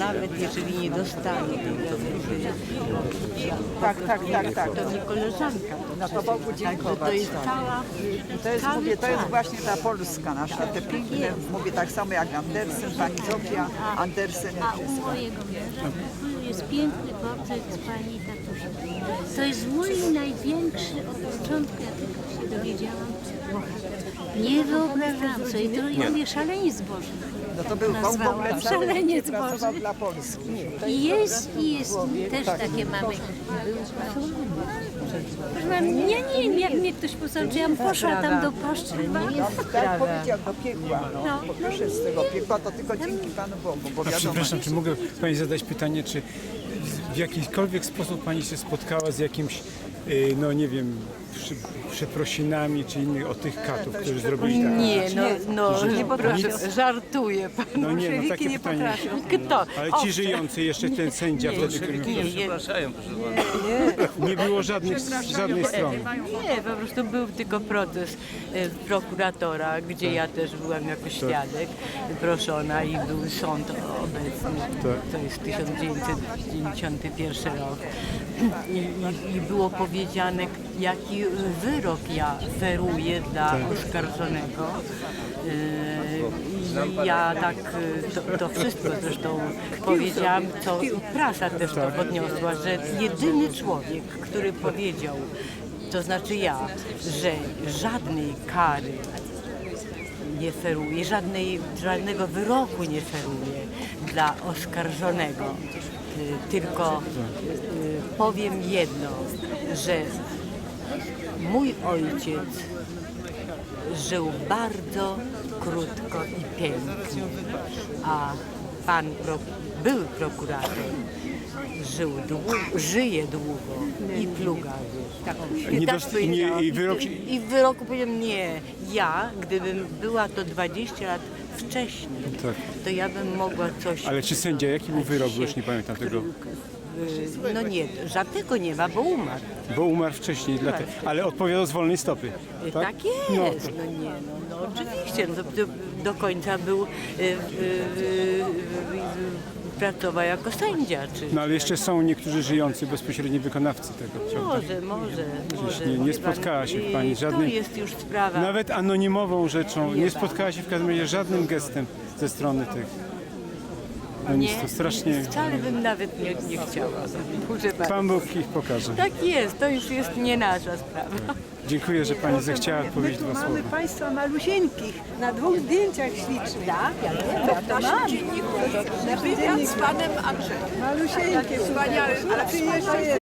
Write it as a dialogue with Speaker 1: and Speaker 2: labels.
Speaker 1: nawet jeżeli nie dostanie
Speaker 2: Tak.
Speaker 1: to nie koleżanka.
Speaker 2: No to Bogu dziękować.
Speaker 1: To jest cała...
Speaker 2: To jest właśnie ta Polska nasza, te piękne, mówię tak samo jak Andersen, pani Zofia, Andersen i
Speaker 3: A u
Speaker 2: wszystko.
Speaker 3: mojego męża jest piękny portret z pani tatusia. To jest mój największy od początku, jak tylko się dowiedziałam, bohater. Nie wyobrażam sobie, to ja mówię szaleniec Boży.
Speaker 2: No to był w
Speaker 3: Nazwałam.
Speaker 2: ogóle cały
Speaker 3: Szaleniec
Speaker 2: pracował
Speaker 3: Boży.
Speaker 2: dla Polski.
Speaker 3: I jest też takie mamy. Proszę pana, nie, jak mnie ktoś posłał, czy ja bym poszła tam do paszczywa.
Speaker 2: Tak powiedział, do piekła. No, proszę z tego piekła, to tylko dzięki Panu Bogu, bo
Speaker 4: A
Speaker 2: wiadomo.
Speaker 4: przepraszam, czy mogę Pani zadać pytanie, czy w jakikolwiek sposób Pani się spotkała z jakimś, no nie wiem, przeprosinami czy innych o tych katów, którzy zrobili tak?
Speaker 1: Nie, nie
Speaker 4: potrafię.
Speaker 1: proszę, żartuję pan.
Speaker 4: No nie, no takie pytanie.
Speaker 1: Kto?
Speaker 4: Ale ci żyjący, jeszcze ten sędzia wtedy, który
Speaker 5: Przepraszają, proszę pana.
Speaker 4: nie było żadnej strony.
Speaker 1: Nie, po prostu był tylko proces prokuratora, gdzie ja też byłam jako świadek proszona i był sąd obecny. To jest 1991 rok. I było powiedziane, jaki wyrok ja feruję dla oskarżonego. I ja tak to wszystko zresztą powiedziałam, co prasa też to podniosła, że jedyny człowiek, który powiedział, to znaczy ja, że żadnej kary nie feruje, żadnego wyroku nie feruje dla oskarżonego. Tylko powiem jedno, że mój ojciec żył bardzo krótko i pięknie, a pan były prokurator żyje długo i plugawy. I w wyroku powiem nie. Ja, gdybym była to 20 lat wcześniej, to ja bym mogła coś...
Speaker 4: Ale czy sędzia, jaki był wyrok, bo już nie pamiętam tego?
Speaker 1: No nie, żadnego nie ma, bo umarł.
Speaker 4: Bo umarł wcześniej, dlatego. Ale odpowiadał z wolnej stopy.
Speaker 1: Tak jest, no oczywiście, do końca był, pracował jako sędzia.
Speaker 4: No ale jeszcze są niektórzy żyjący, bezpośredni wykonawcy tego.
Speaker 1: Może.
Speaker 4: Nie spotkała się Pani żadnym...
Speaker 1: To jest już sprawa.
Speaker 4: Nawet anonimową rzeczą, nie spotkała się w każdym razie żadnym gestem ze strony tych. No nic, to strasznie...
Speaker 1: Wcale bym nawet nie chciała.
Speaker 4: Pan Bóg ich pokaże.
Speaker 1: Tak jest, to już jest nie nasza sprawa.
Speaker 4: Dziękuję, że Pani zechciała powiedzieć dwa słowa.
Speaker 2: Mamy Państwa malusieńkich na 2 zdjęciach ślicznych.
Speaker 1: Tak, ja wiem,
Speaker 2: W naszym dzienniku.
Speaker 6: Wywiad z panem Andrzejem.
Speaker 2: Malusieńkie,
Speaker 6: Wspaniały, ale
Speaker 2: jeszcze jest.